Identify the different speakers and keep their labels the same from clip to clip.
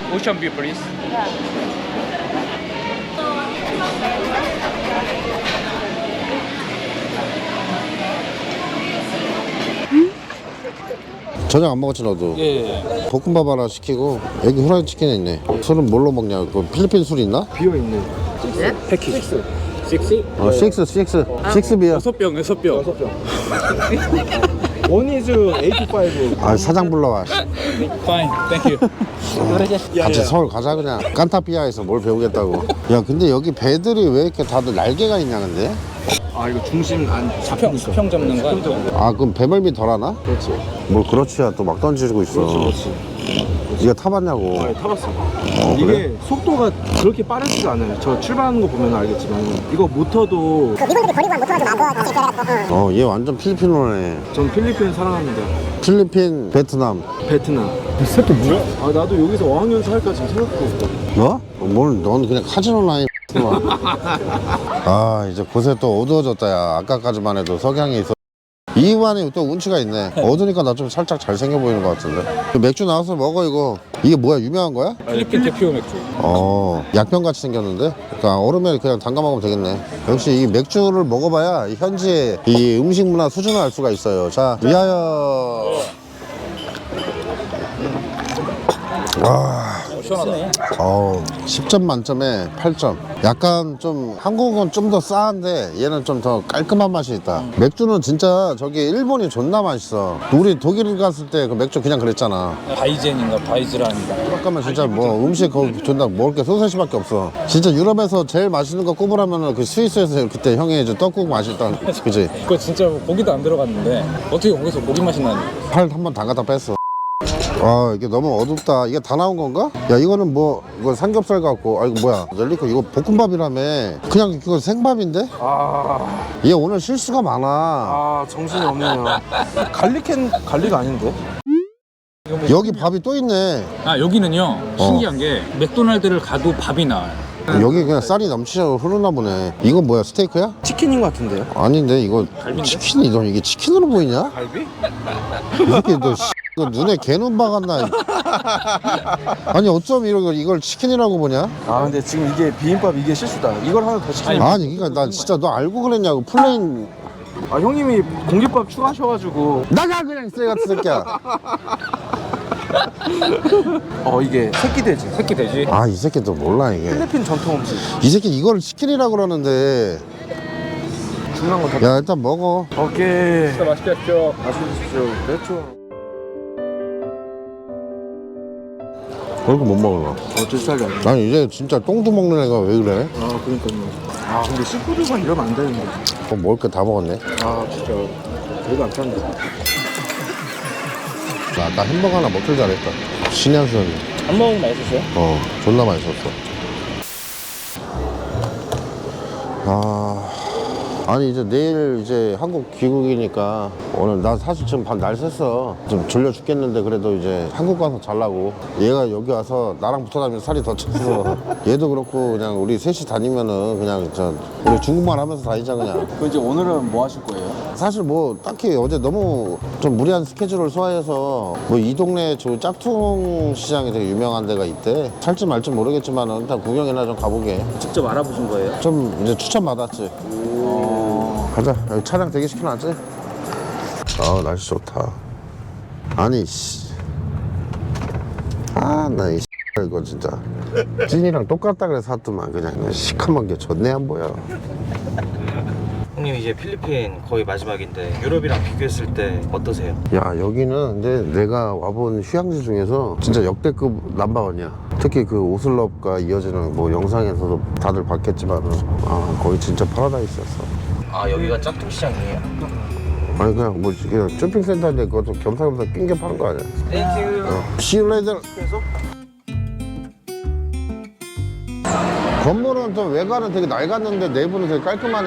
Speaker 1: Ocean view, please.
Speaker 2: 저녁 안 먹었지 너도?
Speaker 1: 예.
Speaker 2: 볶음밥 하나 시키고 여기 후라이드 치킨이 있네. 술은 뭘로 먹냐? 그 필리핀 술 있나?
Speaker 3: 비어 있는.
Speaker 1: 패키지. 6?
Speaker 2: 식스 비어.
Speaker 1: 6병, 6병.
Speaker 3: 6병. 원 이즈 85.
Speaker 2: 아 사장 불러와.
Speaker 1: Fine, thank you.
Speaker 2: 같이 서울 가자 그냥. 깐타피아에서 뭘 배우겠다고. 야 근데 여기 배들이 왜 이렇게 다들 날개가 있냐 근데?
Speaker 3: 아 이거 중심 안 잡히니까.
Speaker 1: 수평 잡는 거 아니야?
Speaker 2: 아 그럼 배멀미 덜 하나?
Speaker 3: 그렇지.
Speaker 2: 뭘 그렇지야 또 막 던지고 있어.
Speaker 3: 그렇지.
Speaker 2: 이거 타봤냐고.
Speaker 3: 아, 타봤어.
Speaker 2: 그래?
Speaker 3: 이게 속도가 그렇게 빠르지가 않아요. 저 출발하는 거 보면 알겠지만 이거 모터도
Speaker 4: 미국들이 버리고 한 모터가 좀 안 다시 배워갖고
Speaker 2: 얘 완전 필리핀어네.
Speaker 3: 전 필리핀 사랑합니다.
Speaker 2: 필리핀, 베트남.
Speaker 3: 베트남. 이 새끼 뭐야? 아 나도 여기서 어학연수 할까 지금 생각하고 있다.
Speaker 2: 너? 넌 그냥 카지노 라인. 아 이제 곳에 또 어두워졌다 야. 아까까지만 해도 석양이 있어. 이완이 또 운치가 있네. 어두니까 나 좀 살짝 잘생겨 보이는 것 같은데. 맥주 나와서 먹어 이거. 이게 뭐야 유명한 거야?
Speaker 1: 필리핀 대표 맥주.
Speaker 2: 약병같이 생겼는데? 그러니까 얼음에 그냥 담가 먹으면 되겠네. 역시 이 맥주를 먹어봐야 이 현지의 이 음식 문화 수준을 알 수가 있어요. 자 위하여. 와.
Speaker 1: 시원하네.
Speaker 2: 10점 만점에 8점. 약간 좀 한국은 좀 더 싸한데 얘는 좀 더 깔끔한 맛이 있다. 맥주는 진짜 저기 일본이 존나 맛있어. 우리 독일 갔을 때 그 맥주 그냥 그랬잖아.
Speaker 1: 바이젠인가 바이즈라인가.
Speaker 2: 유럽 가면 진짜 뭐 음식 거기 존나 먹을 게 소세지밖에 없어. 진짜 유럽에서 제일 맛있는 거 꼽으라면 그 스위스에서 그때 형이 이제 떡국 맛있다. 그지?
Speaker 1: 그거 진짜 고기도 안 들어갔는데 어떻게 거기서 고기 맛이 나니?
Speaker 2: 팔 한 번 담가다 뺐어. 이게 너무 어둡다. 이게 다 나온 건가? 야 이거는 뭐 이거 삼겹살 같고 이거 뭐야 젤리코 이거 볶음밥이라며. 그냥 이거 생밥인데? 얘 오늘 실수가 많아.
Speaker 3: 정신이 없네요. 갈릭 아닌데?
Speaker 2: 여기 밥이 또 있네.
Speaker 1: 아 여기는요 신기한 게 맥도날드를 가도 밥이 나와요.
Speaker 2: 여기 그냥 쌀이 넘치셔 흐르나 보네. 이거 뭐야 스테이크야?
Speaker 3: 치킨인 것 같은데요?
Speaker 2: 아닌데 이거
Speaker 1: 갈비인데?
Speaker 2: 치킨이 너 이게 치킨으로 보이냐?
Speaker 3: 갈비?
Speaker 2: 이렇게 너 그 눈에 개눈 박았나? 아니 어쩜 이걸 치킨이라고 보냐?
Speaker 3: 아 근데 지금 이게 비빔밥 이게 실수다. 이걸 하나 더 시키면
Speaker 2: 아니 그러니까 나 진짜 너 알고 그랬냐고. 플레인
Speaker 3: 아 형님이 공깃밥 추가하셔가지고
Speaker 2: 나가 그냥 쎄 같은 새끼야.
Speaker 3: 이게 새끼돼지.
Speaker 1: 새끼 돼지.
Speaker 2: 아 이 새끼도 몰라 이게.
Speaker 3: 필리핀 전통 음식.
Speaker 2: 이 새끼 이걸 치킨이라고 그러는데.
Speaker 3: 중요한 건 다.
Speaker 2: 야 일단 먹어.
Speaker 3: 오케이.
Speaker 1: 진짜 맛있게 하십시오.
Speaker 3: 마셔주십시오. 그렇죠.
Speaker 2: 그렇게 못 먹어.
Speaker 3: 어쩔 수 없이.
Speaker 2: 난 이제 진짜 똥도 먹는 애가 왜 그래?
Speaker 3: 그러니까요. 근데 시푸드만 이러면 안 되는데.
Speaker 2: 먹을 게 다 먹었네.
Speaker 3: 진짜 별거 안 탔는데.
Speaker 2: 나 아까 햄버거 하나 먹길 잘했다. 신의 한 수였네.
Speaker 1: 한 번 맛있었어요?
Speaker 2: 존나 맛있었어. 아니 이제 내일 이제 한국 귀국이니까 오늘 나 사실 지금 밤 날 샜어. 좀 졸려 죽겠는데 그래도 이제 한국 가서 자려고. 얘가 여기 와서 나랑 붙어 다니면서 살이 더 쪘어. 얘도 그렇고 그냥 우리 셋이 다니면은 그냥 우리 중국말 하면서 다니자 그냥.
Speaker 3: 그 이제 오늘은 뭐 하실 거예요?
Speaker 2: 사실 뭐 딱히 어제 너무 좀 무리한 스케줄을 소화해서 뭐 이 동네 저 짝퉁 시장이 되게 유명한 데가 있대. 살지 말지 모르겠지만 일단 구경이나 좀 가보게.
Speaker 1: 직접 알아보신 거예요?
Speaker 2: 좀 이제 추천 받았지. 가자. 여기 차량 대기시켜놨지? 날씨 좋다. 아니 씨. 나 이 이거 진짜 찐이랑 똑같다 그래서 샀더만 그냥 시커먼 게 좋네 안 보여.
Speaker 5: 형님 이제 필리핀 거의 마지막인데 유럽이랑 비교했을 때 어떠세요?
Speaker 2: 야 여기는 근데 내가 와본 휴양지 중에서 진짜 역대급 넘버원이야. 특히 그 오슬럽과 이어지는 뭐 영상에서도 다들 봤겠지만 거기 진짜 파라다이스였어.
Speaker 5: 여기가 짝퉁 시장이에요?
Speaker 2: 아니 그냥 뭐 그냥 쇼핑센터인데 그것도 겸사겸사 낑겨 파는 거 아니야.
Speaker 5: 땡큐.
Speaker 2: See you later. 건물은 좀 외관은 되게 낡았는데 내부는 되게 깔끔하네.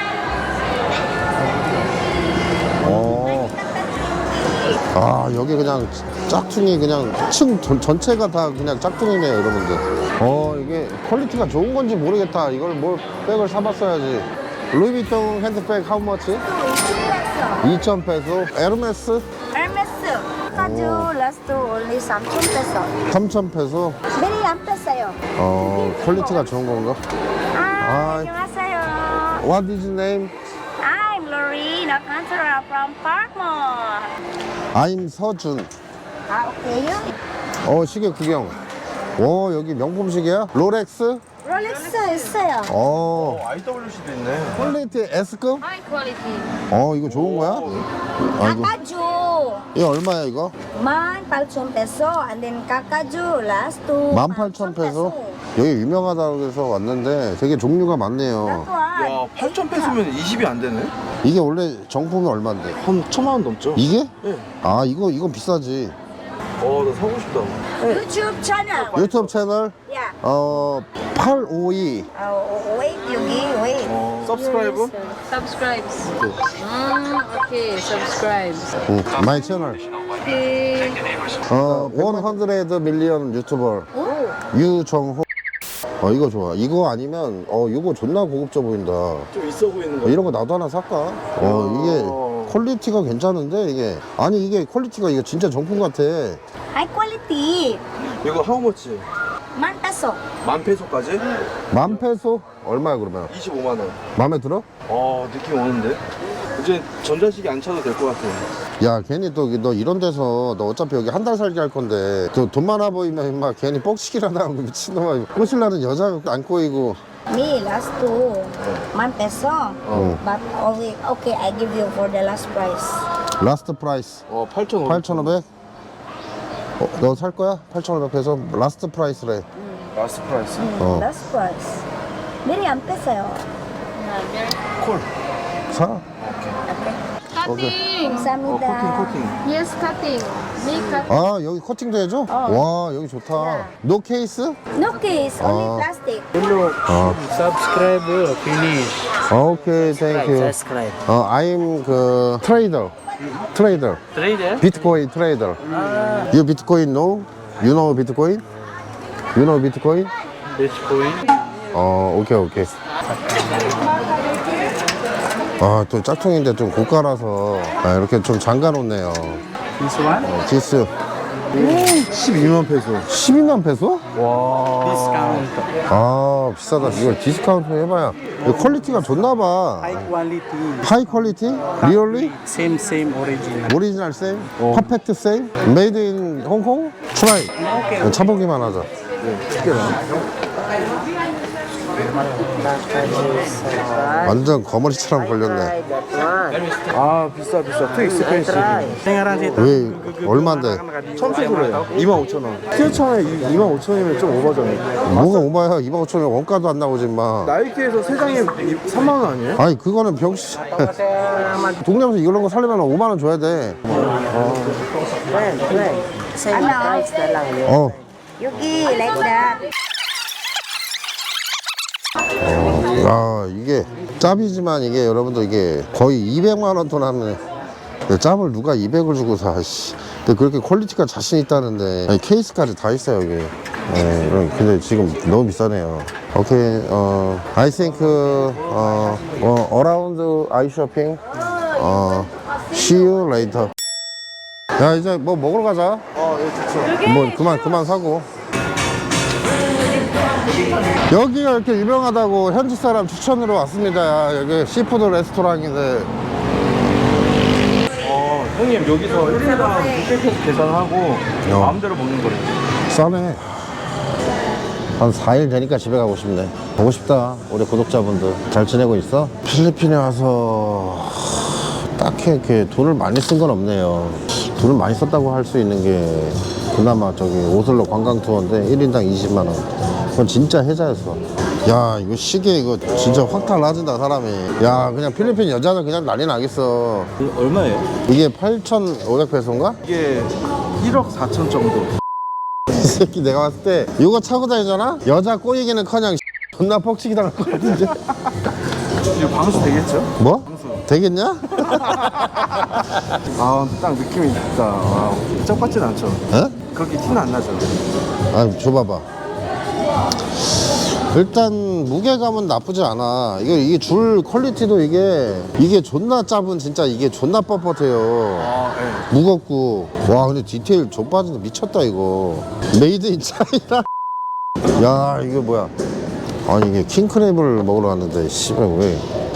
Speaker 2: 여기 그냥 짝퉁이 그냥 층 전체가 다 그냥 짝퉁이네요 여러분들. 이게 퀄리티가 좋은 건지 모르겠다. 이걸 뭘 백을 사봤어야지. 루이비통 핸드백 how much? 2,000페소. 에르메스?
Speaker 4: 에르메스 가죽 last two only 3,000 peso.
Speaker 2: 3,000페소?
Speaker 4: Very ampesa요.
Speaker 2: 퀄리티가 좋은 건가?
Speaker 4: Ah, 안녕하세요.
Speaker 2: What is your name?
Speaker 4: I'm Lori, not natural from Parkmore.
Speaker 2: I'm 서준.
Speaker 4: 오케이요.
Speaker 2: 시계 구경. 오, 여기 명품 시계야? 롤렉스?
Speaker 4: 롤렉스 있어요.
Speaker 3: IWC도 있네.
Speaker 2: 퀄리티 S급?
Speaker 4: High quality.
Speaker 2: 이거 좋은 거야? 아이고.
Speaker 4: Kakaju.
Speaker 2: 이거 얼마야, 이거?
Speaker 4: 18,000 peso. And then Kakaju last two.
Speaker 2: 18,000페소? 여기 유명하다고 해서 왔는데 되게 종류가 많네요.
Speaker 3: 야, 8,000페소면 20이 안 되네?
Speaker 2: 이게 원래 정품이 얼만데?
Speaker 3: 한 1,000만 원 넘죠?
Speaker 2: 이게?
Speaker 3: 네.
Speaker 2: 이건 비싸지.
Speaker 3: 나 사고 싶다.
Speaker 4: YouTube channel.
Speaker 2: 유튜브 채널?
Speaker 4: Yeah.
Speaker 2: 852.
Speaker 4: Wait, wait.
Speaker 3: 서브스크라이브?
Speaker 6: Subscribes. Okay, subscribes.
Speaker 2: 마이 채널.
Speaker 6: Okay.
Speaker 2: 100 밀리언 유튜버. 유정호. 이거 좋아. 이거 아니면, 이거 존나 고급져 보인다.
Speaker 3: 좀 있어 보이는 거.
Speaker 2: 이런 거 나도 하나 살까? 이게 퀄리티가 괜찮은데, 이게. 아니, 이게 퀄리티가 이거 진짜 정품 같아.
Speaker 4: High quality.
Speaker 3: 이거 하우머치?
Speaker 4: 1 peso.
Speaker 3: 10,000페소까지?
Speaker 2: 10,000페소? 얼마야, 그러면?
Speaker 3: 25만 원.
Speaker 2: 마음에 들어?
Speaker 3: 느낌 오는데? 이제 전자식이 안 차도 될 것 같아.
Speaker 2: 야, 괜히 또 너 이런 데서 너 어차피 여기 한 달 살기 할 건데 또 돈 많아 보이면 임마 괜히 뻑치기라도 하고 미친놈아 꼬실라는 여자 안 꼬이고.
Speaker 4: Me last two 1 peso. But only okay, I give you for the last price.
Speaker 2: 라스트 프라이스
Speaker 3: 8,500.
Speaker 2: 8,500? 너 살 거야? 8,500페소? 라스트 프라이스래.
Speaker 3: 라스트 프라이스.
Speaker 4: Last price. Very ampesa요.
Speaker 3: 콜.
Speaker 2: 사?
Speaker 6: Cutting.
Speaker 4: 감사합니다.
Speaker 3: 코팅.
Speaker 6: Yes, cutting. Big cut.
Speaker 2: 여기 커팅도 해줘? 와, 여기 좋다. 노 케이스?
Speaker 4: No case, only plastic.
Speaker 7: Subscribe, finish.
Speaker 2: 오케이, 땡큐.
Speaker 7: Subscribe.
Speaker 2: I'm 그 트레이더.
Speaker 7: Trader?
Speaker 2: 비트코인 트레이더. You 비트코인 know? You know 비트코인? You know 비트코인?
Speaker 7: Bitcoin.
Speaker 2: 오케이. 또 짝퉁인데 좀 고가라서 이렇게 좀 잠가놓네요.
Speaker 7: This one?
Speaker 2: 디스
Speaker 3: 12만 페소.
Speaker 2: 12만 페소?
Speaker 7: Discount.
Speaker 2: 비싸다. 이걸 디스카운트 해봐야. 이거 퀄리티가 좋나봐.
Speaker 7: High quality.
Speaker 2: 하이 퀄리티? 리얼리?
Speaker 7: Same original.
Speaker 2: 오리지널 세임? 퍼펙트 세임? 메이드 인 홍콩? 트라이. 차보기만 하자. 완전 거머리처럼 걸렸네.
Speaker 3: 비싸. 투 익스펜시브.
Speaker 2: 왜 얼마인데?
Speaker 3: 1,000페소래요. 25,000원. 티어차에 25,000원이면 좀 오버잖아요.
Speaker 2: 뭐가 오바야? 25,000원 원가도 안 나오지 마.
Speaker 3: 나이키에서 3장에 3만 원 아니에요?
Speaker 2: 아니 그거는 병신. 동네에서 이런 거 사려면 5만 원 줘야 돼.
Speaker 4: Ano? 여기 like that.
Speaker 2: 이게 짭이지만 이게 여러분들 이게 거의 200만 원 돈 하면 짭을 누가 200을 주고 사. 씨. 근데 그렇게 퀄리티가 자신 있다는데 아니, 케이스까지 다 있어요 여기. 근데 지금 너무 비싸네요. 오케이. I think around eye shopping. See you later. 야 이제 뭐 먹으러 가자.
Speaker 3: 예, 좋죠.
Speaker 2: 뭐 그만 사고. 여기가 이렇게 유명하다고 현지 사람 추천으로 왔습니다. 여기 시푸드 레스토랑인데.
Speaker 3: 형님 여기서 1인당 600페소 계산하고 마음대로 먹는 거래요.
Speaker 2: 싸네. 한 4일 되니까 집에 가고 싶네. 보고 싶다. 우리 구독자분들 잘 지내고 있어? 필리핀에 와서 딱히 이렇게 돈을 많이 쓴 건 없네요. 돈을 많이 썼다고 할 수 있는 게 그나마 저기 오슬로 관광 투어인데 1인당 20만 원. 그건 진짜 혜자였어. 야 이거 시계 이거 진짜 확 달라진다 사람이. 야 그냥 필리핀 여자는 그냥 난리 나겠어.
Speaker 3: 얼마예요?
Speaker 2: 이게 8,500페소인가?
Speaker 3: 이게 1억 4천 정도.
Speaker 2: 이 새끼 내가 봤을 때 이거 차고 다니잖아? 여자 꼬이기는 커녕 존나 퍽치기 당할 것 같은데.
Speaker 3: 이거 방수 되겠죠?
Speaker 2: 뭐? 되겠냐?
Speaker 3: 딱 느낌이 있다. 쩍 같진 않죠?
Speaker 2: 에?
Speaker 3: 그렇게 티는 안 나죠?
Speaker 2: 아 줘봐봐. 일단 무게감은 나쁘지 않아. 이게 줄 퀄리티도 이게 존나 짧은 진짜 이게 존나 뻣뻣해요.
Speaker 3: 아, 네.
Speaker 2: 무겁고. 와 근데 디테일 좀 빠진다 미쳤다 이거. 메이드 인 차이나. 야 이게 뭐야? 아니 이게 킹크랩을 먹으러 갔는데 씨발 왜?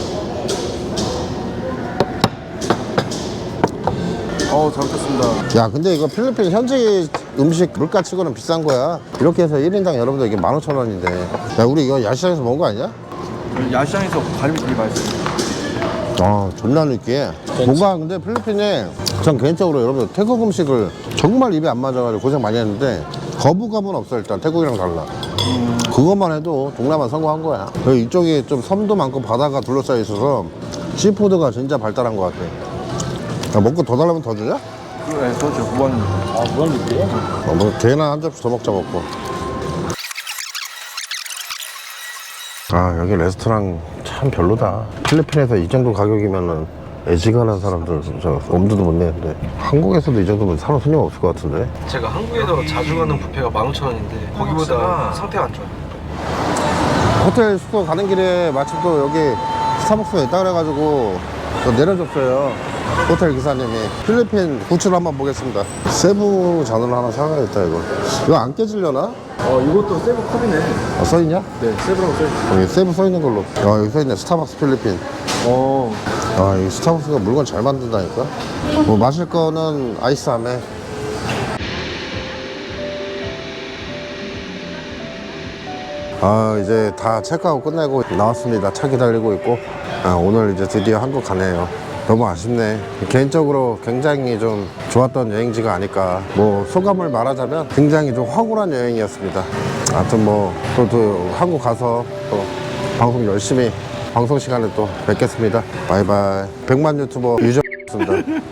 Speaker 3: 잘 먹겠습니다.
Speaker 2: 야 근데 이거 필리핀 현지 음식 물가 치고는 비싼 거야. 이렇게 해서 1인당 여러분들 이게 15,000원인데 야 우리 이거 야시장에서 먹은 거 아니야?
Speaker 3: 야시장에서 갈비 되게 맛있어요.
Speaker 2: 아 존나 느끼해. 뭔가 근데 필리핀에 전 개인적으로 여러분들 태국 음식을 정말 입에 안 맞아가지고 고생 많이 했는데 거부감은 없어. 일단 태국이랑 달라. 그것만 해도 동남아 성공한 거야. 그리고 이쪽이 좀 섬도 많고 바다가 둘러싸여 있어서 시푸드가 진짜 발달한 것 같아. 야, 먹고 더 달라면 더 주냐?
Speaker 3: 네, 그렇죠. 무한.
Speaker 1: 무한리필이에요?
Speaker 2: 뭐 걔나 한 접시 더 먹자 먹고. 아 여기 레스토랑 참 별로다. 필리핀에서 이 정도 가격이면은 애지간한 사람들 저 엄두도 못 내는데 한국에서도 이 정도면 사람 손님 없을 것 같은데.
Speaker 3: 제가 한국에서 자주 가는 뷔페가 15,000원인데 거기보다 상태가 안 좋아요.
Speaker 2: 호텔 숙소 가는 길에 마침 또 여기 스타벅스가 있다 그래가지고 또 내려줬어요. 호텔 기사님이. 필리핀 구출 한번 보겠습니다. 세부 잔을 하나 사가야겠다 이거 안 깨지려나?
Speaker 3: 이것도 세부 컵이네.
Speaker 2: 써있냐?
Speaker 3: 네, 세부라고 써있어요.
Speaker 2: 여기 세부 써있는 걸로. 여기 써있네. 스타벅스 필리핀. 이 스타벅스가 물건 잘 만든다니까. 뭐 마실 거는 아이스 아메. 이제 다 체크아웃 끝내고 나왔습니다. 차 기다리고 있고. 오늘 이제 드디어 한국 가네요. 너무 아쉽네. 개인적으로 굉장히 좀 좋았던 여행지가 아닐까. 뭐 소감을 말하자면 굉장히 좀 황홀한 여행이었습니다. 하여튼 뭐 또 한국 가서 또 방송 열심히 방송 시간에 또 뵙겠습니다. 바이바이. 100만 유튜버 유저였습니다.